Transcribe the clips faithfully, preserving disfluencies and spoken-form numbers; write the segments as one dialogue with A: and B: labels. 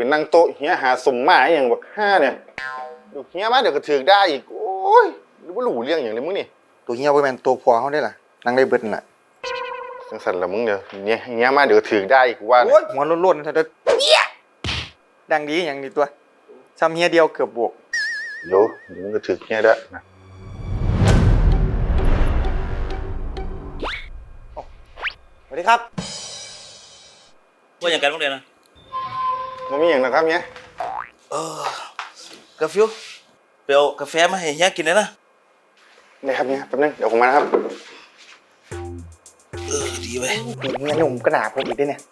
A: เป็นนั่งโต๊ะเฮียหาสมมาอย่างแบบห้าเนี่ยเดี๋ยวเฮียมาเดี๋ยวก็ถือได้อีกโอ้ยหรือว่าหลูเรื่องอย่างไรมึงนี่ตัวเฮียไปเป็นตัวพอเขาได้ล่ะนั่งได้เบิดน่ะสังสันละมึงเดี๋ยวเฮียเฮียมาเดี๋ยวถือได้อีกว่าโอ้ยหัวล้นๆถ้าจะเฮียดังดีอย่างนี้ตัวซ้ำเฮียเดียวเกือบบวกโย่มึงก็ถือเฮียได้นะสวัสดีครับ
B: ว่าอย่างกันบ้างเลยนะ
A: มันมีอย่างนะครับเนี้ย
B: เออกาแฟไปเอากาแฟมาให้เฮียกินเลยนะ
A: ได้ครับเนี้ยแป๊บนึงเดี๋ยวผมมานะครับ
B: เออดีไป
A: เมียหนุ่มกระดาษผมอีกด้วยเนี่ย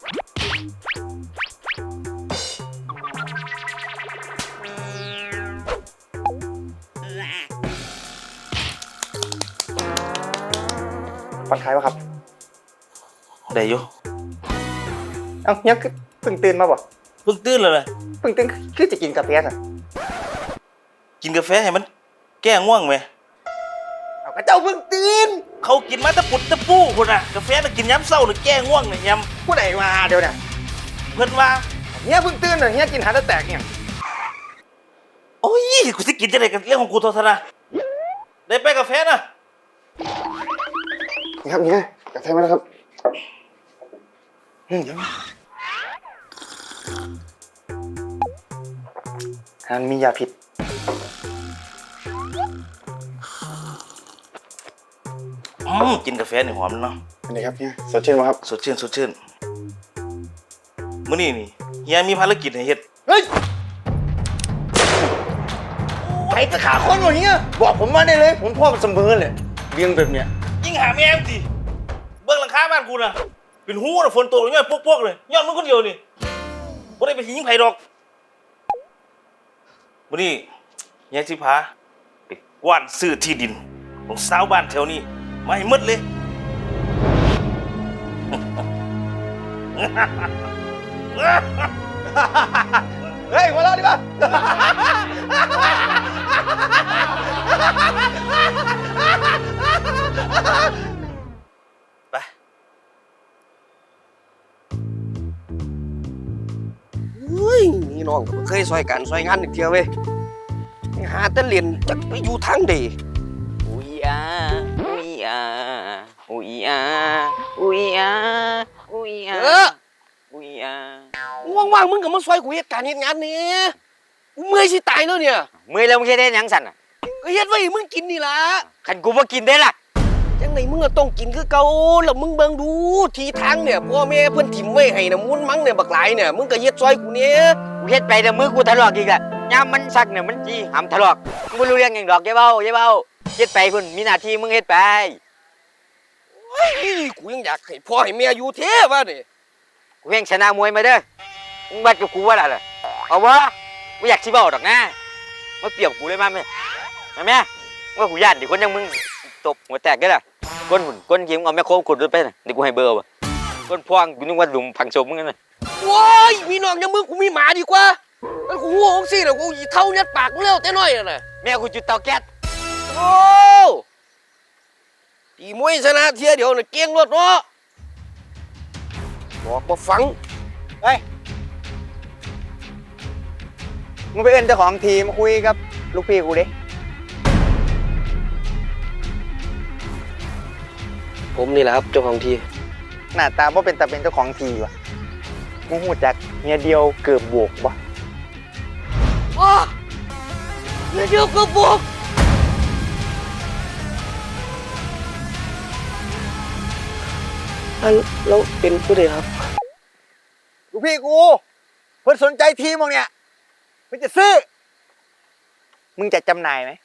A: ผ่อนคลายป่ะครับ
B: ได้อยู่
A: เอ้าเนี่ยคือเพิ่งตื่นมาบ่
B: เพิ่งตื่นเลย
A: เพิ่งตื่นคือจะกินกาแฟสิ
B: กินกาแฟให้มันแก้ง่วงไหม
A: เอากระเจ้าเพิ่งตื่น
B: เขากินมาตะปุดตะปูคนน่ะกาแฟน่ะกินย้ำเศร้าหรือแก้ง่วงเนี่ยย้
A: ำผู้ใดมาเดี๋ยวเนี่ย
B: เพิ่นว่า
A: เนี่ยเพิ่งตื่นเลยเนี่ยกินหาตะแตกเนี่ย
B: โอ้ยกูจะกินจะไหนกันเรื่องของกูโทษนะได้ไปกาแฟนะ
A: นี่ครับเนี่ยกาแฟมาแล้วครับอืมเดี๋ยวอันมียาพิษ
B: อืมกินกาแฟนี่หอมเนาะ
A: อันนี้ครับเนี่ยสดชื่นไหมครับ
B: สดชื่นสดชื่นมื้อนี้นี่เฮียมีภารกิจให้เฮ็ด
A: เฮ้ยใครจะขาคนวะเฮียบอกผมมาได้เลยผมพ่อมันเสมอเลยเลี้ยงแบบเนี้ย
B: ยิ่งหาแม่งสิเบื้องหลังคาบ้านกูนะเป็นหูนะฝนตกเนี่ยพวกๆเลยย้อนมึงคนเดียวนี่บ่ได้ไปยิงไผดอกมื้อนี้ยายสิพาไปกว้านซื้อที่ดินของชาวบ้านแถวนี้มาให้หมดเลย
A: เฮ้ยมาเล่าดิบ้า
B: ไป
C: เฮ้ยนี่น้องเคยซอยกันซอยงานอีกเทียวเว้ยหาแต่เรียนจะไปอยู่ทางใด
D: อุ้ยอาอุ้ยอาอุ้ยอาอุ้ยอาอุ้ยอา
C: เออ
D: อุ้ยอา
C: ว่างๆมึงก็มาซอยกูเฮ็ดการเฮ็ดงานนี่กูเมื่อยสิตายแล้วเนี่ย
D: เมื่อแล้วมึงเฮ็ดได้ยังสั่นอ่ะ
C: ก็เฮ็ดไว้มึงกินนี่ล่ะ
D: คันกูบ่กินได้ล่ะ
C: จังไดมึงก็ต้องกินคือเก่าแล้วมึงเบิ่งดูทีทางเนี่ยพ่อแม่เพิ่นถิ่มไว้ให้น่ะมุนมังเนี่ยบักหลายเนี่ยมึงก็เฮ็ดซอยกูเนี่ย
D: กูเฮ็ดไปแต่มือกูทะเลาะอีกอ่ะยามมันซักเนี่ยมันจีหำทะเลาะมึงบ่รู้เรื่องหยังดอกอย่าเว้าอย่าเว้าเฮ็ดไปพุ่นมีหน้าที่มึงเฮ็ดไป
C: เฮ้ยกูยังอยากให้พ่อให้แม่อยู่แท้ว่านี่
D: กูแข่งชนะมวยมาเด้อมึงบัดกับกูว่าล่ะเอาบ่กูอยากสิเว้าดอกนะมาเปรียบกูเลยมาแม่มาแม่ว่ากูย่านดิคนอย่างมึงตบหัวแตกได้ล่ะก้นหุ่นก้นยิ้มเอาแม่โคขุดรถไปน่ะเดี๋ยวกูให้เบอร์ว่ะก้นพวงกูนึกว่าหลุมผังศพมึงนั่นน่ะ
C: โว้ยมีน้องอย่างมึงกูมีหมาดีกว่ามันกูหัวของสิเดี๋ยวกูเท่ายัดปากมึงแล้วแต่น้อยน่ะ
D: แม่กูจุดเตาแก๊ส
C: โอ้ตีมวยชนะเทียเดี๋ยวน่ะเก่งรถเนาะบอกบ่ฟัง
A: เฮ้ยมึงไปเอิ้นเจ้าของทีมาคุยกับลูกพี่กูดิ
C: ผมนี่แหละครับเจ้าของที
A: หน้าตาว่าเป็นตาเป็นเจ้าของทีวะมึงหูจักเมียเดียวเกือบบวกบ่
C: อ๋อเมียเดียวเกือบบวกอันแล้วเป็นผู้ใดครับ
A: ลูกพี่กูเพิ่นสนใจทีมึงเนี่ยมึงจะซื้อมึงจะจำหน่ายไหม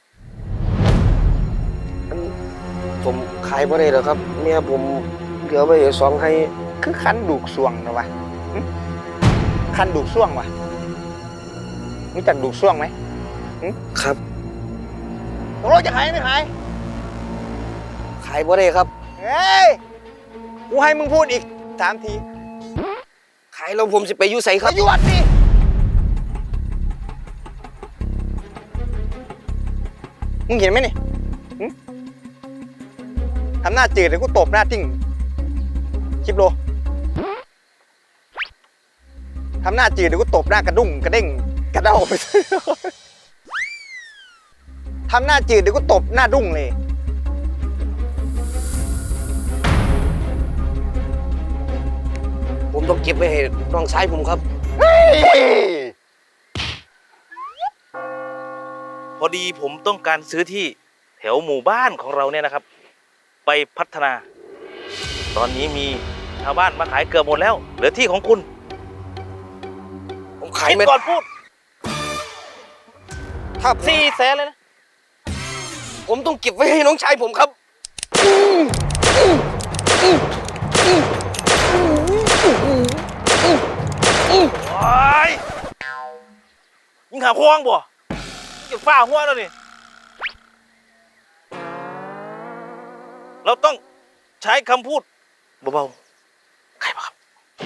C: ผมขายบ่ได้หรอกครับเมียผมเหลือไว้สองให้
A: คือคันดูกส่วงนะวะคันดูกส่วงวะรู้จักดูกส่วงไหม
C: ครับ
A: ตกลงจะขายไม่ขาย
C: ขายบ่ได้ครับ
A: เฮ้ยกูให้มึงพูดอีกสามที
C: ขายแล้วผมจะไปอยู่ไสครับ
A: ไปอยู่วัดนี่มึงเห็นไหมนี่ทำหน้าจืดเลยกูตบหน้าติ้งคลิปโลทำหน้าจืดเดี๋ยวกูตบหน้ากระดุ้งกระเด้งกระเด้าไป ทำหน้าจืดเดี๋ยวกูตบหน้าดุ้งเลย
C: ผมต้องเก็บไว้ให้น้องชายผมครับ
B: พอดีผมต้องการซื้อที่แถวหมู่บ้านของเราเนี่ยนะครับ ไปพัฒนา ตอนนี้มีชาวบ้านมาขายเกือบหมดแล้ว เหลือที่ของคุณ
C: ผมขาย
B: คิด
C: ไม่
B: ก่อนพูด
C: ถ้าผม
B: สี่แสนเลยนะ
C: ผมต้องเก็บไว้ให้น้องชายผมครับ
B: โอ้ยยิงหาควงบ่ยิงจะฝ้าหัวแล้วนี่ เราต้องใช้คำพูดเบาๆใครบ้าครับ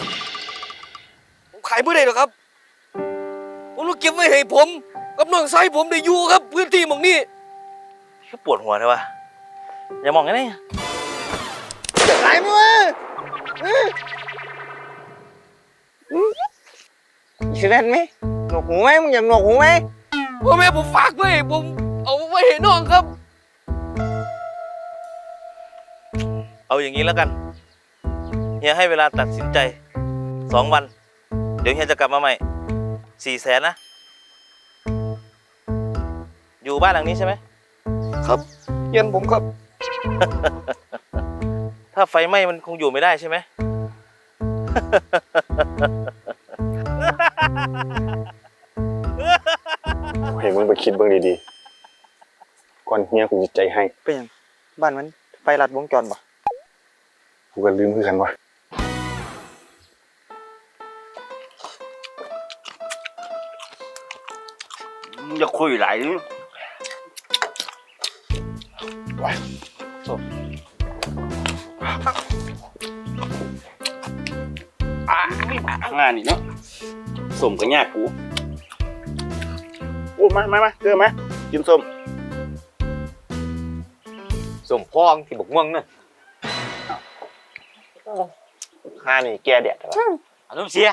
C: ผมขายไม่ได้หรอกครับ ผมต้องเก็บไว้ให้ผมกับน้องชายผมได้อยู่ครับ พื้นที่หมองนี้
B: ก็ปวดหัวเลยวะอย่ามองงั้นนี่
A: จะขายมั้ยอีเล่นไหมหนวกหูไหมมึงอยากหนวกหูไหม
C: พ่อแม่ผมฝากไว้ให้ผมเอาไว้ให้น้องครับ
B: เอาอย่างนี้แล้วกันเฮียให้เวลาตัดสินใจสองวัน เดี๋ยวเฮียจะกลับมาใหม่สี่แสนนะ อยู่บ้านหลังนี้ใช่ไหม
C: ครับเย็นผมครับ
B: ถ้าไฟไหม้มันคงอยู่ไม่ได้ใช่ไหม
A: เห็นมึงไปคิดเบิ่งดีๆก่อนเฮียกูจิตใจให้เป็นยังบ้านมันไฟลัดวงจรปะกูก็ลืมคือกันวะ
D: อย่าคุยหลาย
E: งานนี่เนาะสมกับยากกูโอ้มามามาเกลือมากินส้ม
D: สมพองที่บกม่วงนั่น
E: ข้านี่แกแดดแต่ว่า
D: อารมณ์เสีย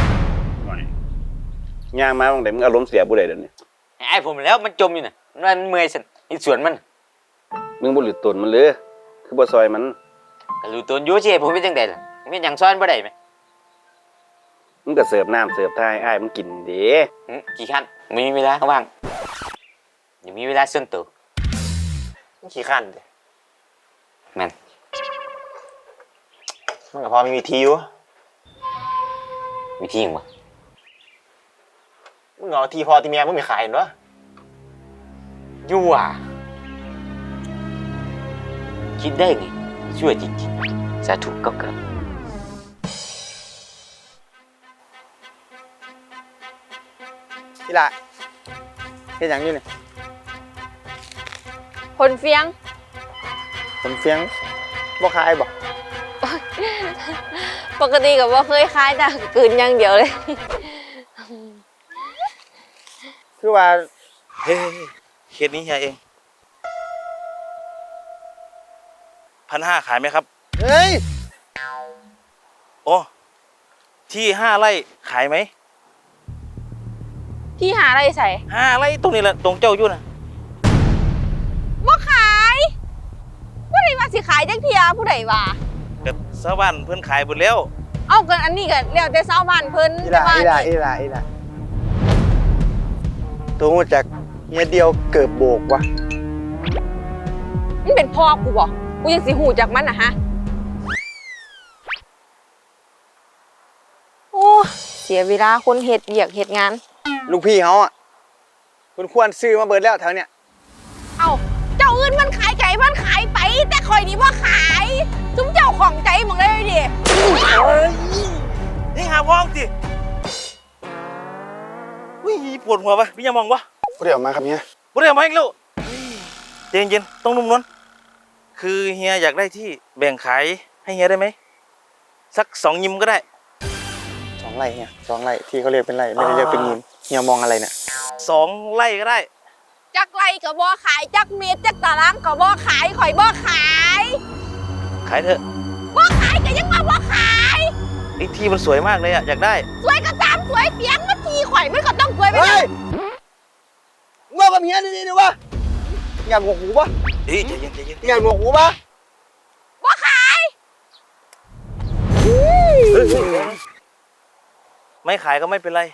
E: ย่างมาบางแต่มึงอารมณ์เสียบุได้เดี๋ยวนี้
D: ไอ้ผมแล้วมันจมอยู่น่ะมันเมื่อยสันอีสวนมัน
E: มึงบ่หลุดตนมันเลยคือบ่ซอยมัน
D: ก็รู้ตัวอยู่สิผมเป็นจังไดล่ะผมเป็นหยังซ้อนบ่ได้ไหม
E: มึงก็เสิร์ฟน้ำเสิร์ฟท่าให้อ้ายมึงกินเด้
D: หึกี่ขั้นไม่มีเวลาว่างเดี๋ยวมีเวลาส่วนตัว
A: ขี้ขั้นเลย
D: แม่น
A: มันก็พอมีวิธีอยู่
D: วิธีหยังวะ
A: มึงเอาทีพอทีเมียมึงมีขายเห็นปะ
D: ยั่วคิดได้ไงชั่วจริงๆสาธุก็เกิด
A: นี่ละเฮ็ดหยังอยู่นี่
F: คนเฟียง
A: ผมเฟียงบ่ขายบ่
F: ปกติกับว่าเคยคล้ายแต่กลืนอย่างเดียวเลย
A: คือว่า
B: เฮ้ยเคสนี้เฮียเองพันห้าขายไหมครับ
A: เฮ้ย
B: โอ้ที่ห้าไร่ขายไหม
F: ที่หาอะไรใส่
B: ห้าไร่ตรงนี้แหละตรงเจ้าอยู่นะ
F: ว่าขายผู้ใดว่าสิขายจังเทียผู้ใดว่า
B: กับชาวบ้านเพื่อนขายหมดแล้ว
F: เอากันอันนี้กันแล้วแต่ชาวบ้านเพิ่น
A: อี
F: แต่
A: ละ
F: ว่า
A: อีละอีละอีละตัวหูจากเมียเดียวเกิดโบกวะ
F: มันเป็นพ่อกูบ่กูยังสิหูจากมันนะฮะโอ้เสียเวลาคนเฮ็ดเวียกเฮ็ดงาน
A: ลูกพี่เขาอ่ะคุณควรซื้อมาเบิดแล้วแถวเนี้ย
F: เอ้าเจ้าอื่นมันขายไก่มันขายไป แต่ข่อยนี่ว่าขายจุ้มเจ้าของใจหมดเลยดิ
B: นี่หาว่องสิวิ่งปวดหัวปะพี่ยังมองวะ
A: เดี๋ยวมาครับเฮีย
B: บ่ได้เอามาอีกแล้วเย็นเย็นๆต้องนุ่มนวลคือเฮียอยากได้ที่แบ่งขายให้เฮียได้ไหมสักสองยิมก็ได้
A: สองไร่เฮียสองไร่ที่เขาเรียกเป็นไร่ไม่ได้เรียกเป็นยิมเฮียมองอะไรเนี่ย
B: สองไร่ก็ได้
F: จักไรก็บ่ขายจักเม็ดจักตารางก็บ่ขายข่อยบ่ขาย
B: ขายเถอะ
F: บ่ขายก็ยังมาบ่ขาย
B: ไอ้ที่มันสวยมากเลยอะอยากได้
F: สวยก็ตามสสวยเปียงมันทีข่อยมันก็ต้องสวยไป
C: เฮ้ยว่ากับเฮียนี่นี่วะงานหัวหูปะ
B: เฮ้ยใจเย็นใจเย็น
C: งานหัวหูปะ
F: บ่ขาย
B: ไม่ขายก็ไม่เป็นไร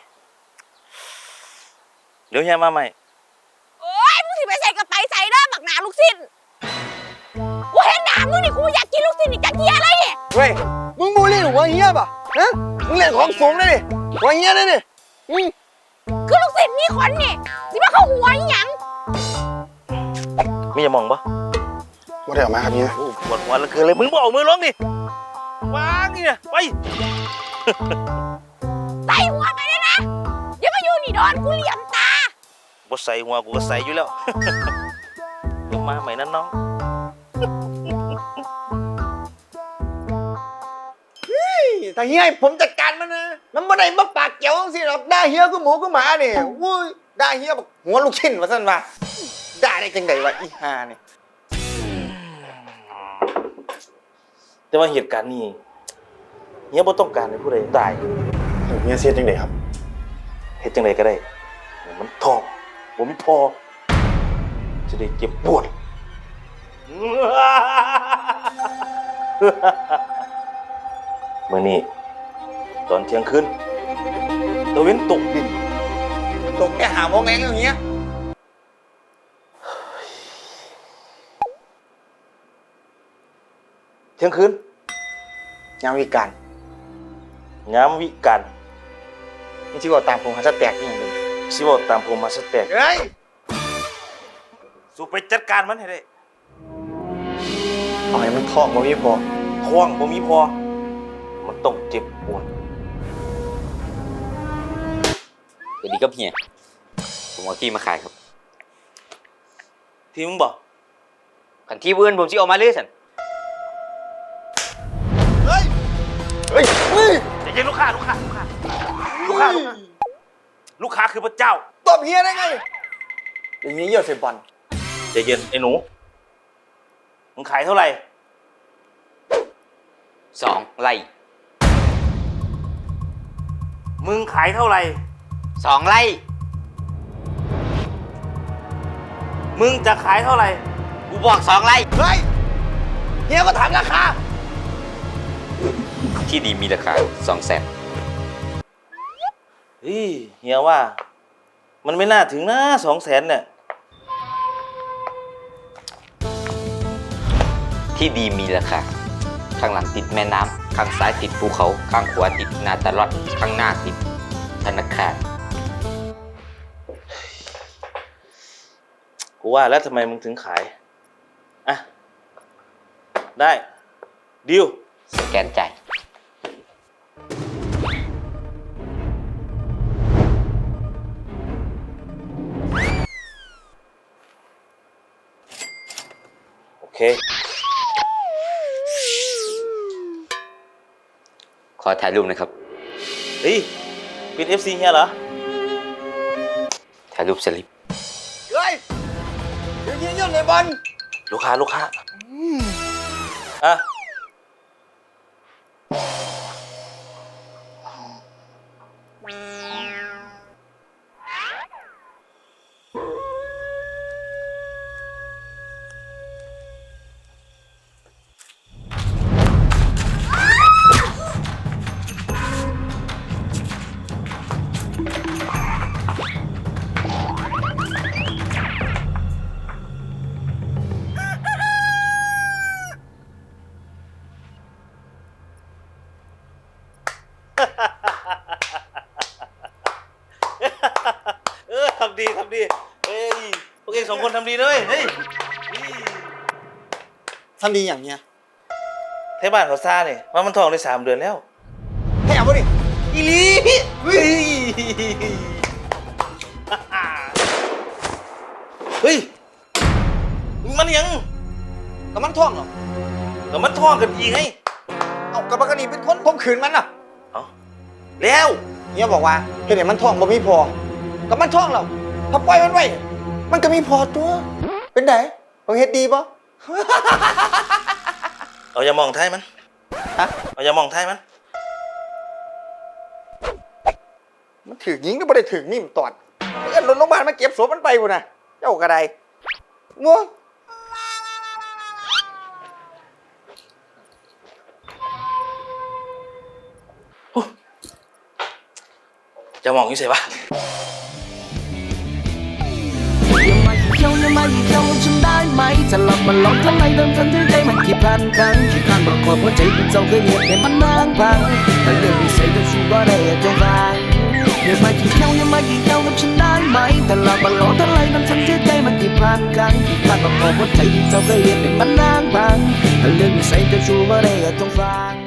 B: เดี๋ยวเฮียมาใหม่
F: โอ้ยมึงสิไปใส่กระไปใส่เด้อบักหนาลูกสิ้นกูเห็นหนามึงนี่กูอยากกินลูกสิ้นอีกจักเทียเลยนี่
C: เฮ้ยมึงบูลลี่หัวเฮียปะฮะมึงเล่นของสูงเลยดิหัวเฮียเลยดิอืม
F: คือลูกสิ้นมีขนนี่สิมาเข้าหัวอีหยัง
B: มีอย่ามองปะ
A: ว่าได้ออกมาครับเฮีย
B: โอ้ปวดหัวเหลือเกินเลยมึงบอกมือลงดิวางนี่นะไป
F: ใส่หัวไปเลยนะอย่ามาอยู่นี่โดนกูเหลี่ยมตา
B: บ่ใส่หัวกูก็ใส่อยู่แล้ว เดี๋ยวมาใหม่นั้นน้อง
C: แต่เฮียให้ผมจัดการมันนะมันบ่ได้มาปากเกี่ยวสิหรอกด่าเฮียก็หมูก็หมาเนี่ยวุ้ยด่าเฮียบอกหัวลูกชิ้นว่าซั่นว่าด่าได้จังไดวะอีห่าเนี่ย
B: แต่ว่าเหตุการณ์นี้เฮียบ่ต้องการให้ผู้ใดตาย
A: เฮียเสียจังไดครับ
B: เฮ็ดจังไดก็ได้ให้มันท้องบ่มีพอจะได้เจ็บปวด มื้อนี้ตอนเที่ยงคืนตะเว้นตกดิน
C: ตกแกหาโมงแงงอย่างเงี้ย
B: เที่ยงคืน
C: ยามวิการ
B: ยามวิกาล
C: นี่ที่บอกตามผมหาสแต็กนี่อย่างหนึง
B: สิเว้าตามผมมาสแต็ก
C: เฮ้ย
B: สู้ไปจัดการมันให้ได้
C: เอาให้มันท้องบ่มีพอ
B: ท้องบ่มีพอ มันต้องเจ็บปวด
D: สวัสดีครับเฮียผมเอาที่มาขายครับ
B: ที่มึงบอก
D: ขันที่เพื่อนผมสิเอามาเลยสัน
C: เฮ้ยเฮ้ยเฮ้ย
B: ใจเย็นลูกค้าลูกค้าลูกค้าลูกค้าลูกค้าลูกค้าคือพระเจ้า
C: ตบเฮียได้ไงอย่างนี้เยี่ยวเซบอล
B: ใจเย็นไอ้หนูมึงขายเท่าไหร่
D: สองไร่
B: มึงขายเท่าไหร่
D: สองไร่
B: มึงจะขายเท่าไหร่
D: กูบอกสองไร่
C: เฮ้ยเฮียก็ถามราคา
D: ที่ดีมีราคาสองแสน
B: เฮ้ยเฮียว่า มันไม่น่าถึงนะสองแสนเนี่ย
D: ที่ดีมีราคาข้างหลังติดแม่น้ำข้างซ้ายติดภูเขาข้างขวาติดนาตาลอดข้างหน้าติดธนาคาร
B: กูว่าแล้วทำไมมึงถึงขาย อ่ะ ได้ดิว
D: สแกนจ่าย
B: โอเค
D: ขอถ่ายรูปนะครับ
B: เฮ้ยเป็น เอฟ ซี เฮียเหรอ
D: ถ่ายรูปสลิป
C: เฮ้ยเดี๋ยวยิงเยี่ยวในบอล
B: ลูกค้าลูกค้าอ่ะ เออทำดีทำดีเฮ้ยพวกเองสองคนทำดีด้วยเฮ้ยนี่
C: ทำดีอย่างเนี้ย
B: เทศบ้านเขาซ่าเนี่ยว่ามันทองได้สามเดือนแล้ว
C: ให้เอาป่ะดิ
B: อีหลีเฮ้ยเฮ้ยมันยัง
C: กับมันท่องเหรอ
B: กับมันท่องกันอีกไง
C: เอากับมันกระดีเป็นคนผมขืนมันอ่ะ
B: เอาแล้ว
C: เฮียบอกว่าเห็นไหมมันท่องบ่มีพอกับมันท่องเราถ้าปล่อยมันไว้มันก็มีพอตัว เป็นไงผมเฮ็ดดีปะ
B: เอาอย่ามองไทยมัน
C: ฮะ
B: เอาอย่ามองไทยมัน
C: มันถือยิงก็ไม่ได้ถือมีมตอดเอิ้นรถโรงพยาบาลมาเก็บศพมันไปพุ่นน่ะเจ้ากระไดงัว
B: จะมองอยู่ใส่ปะ
G: อย่ามาเที่ยวอย่ามาเที่ยวฉันได้ไหมจะหลับมันหลอกทำไมเดิมทันที่ใจมันกี่พันครั้งกี่ครั้งประกอบหัวใจเป็นเจ้าเคยเหตุให้มันนางพังแต่เรื่องนิสัยก็ชูก็ได้จงฟังอย่ามาเที่ยวอย่ามาเที่ยวกับฉันได้ไหมแต่หลับมันหลอกทำไมเดิมทันที่ใจมันกี่พันครั้งกี่ครั้งประกอบหัวใจเป็นเจ้าเคยเหตุให้มันนางพังแต่เรื่องนิสัยก็ชูก็ได้จงฟัง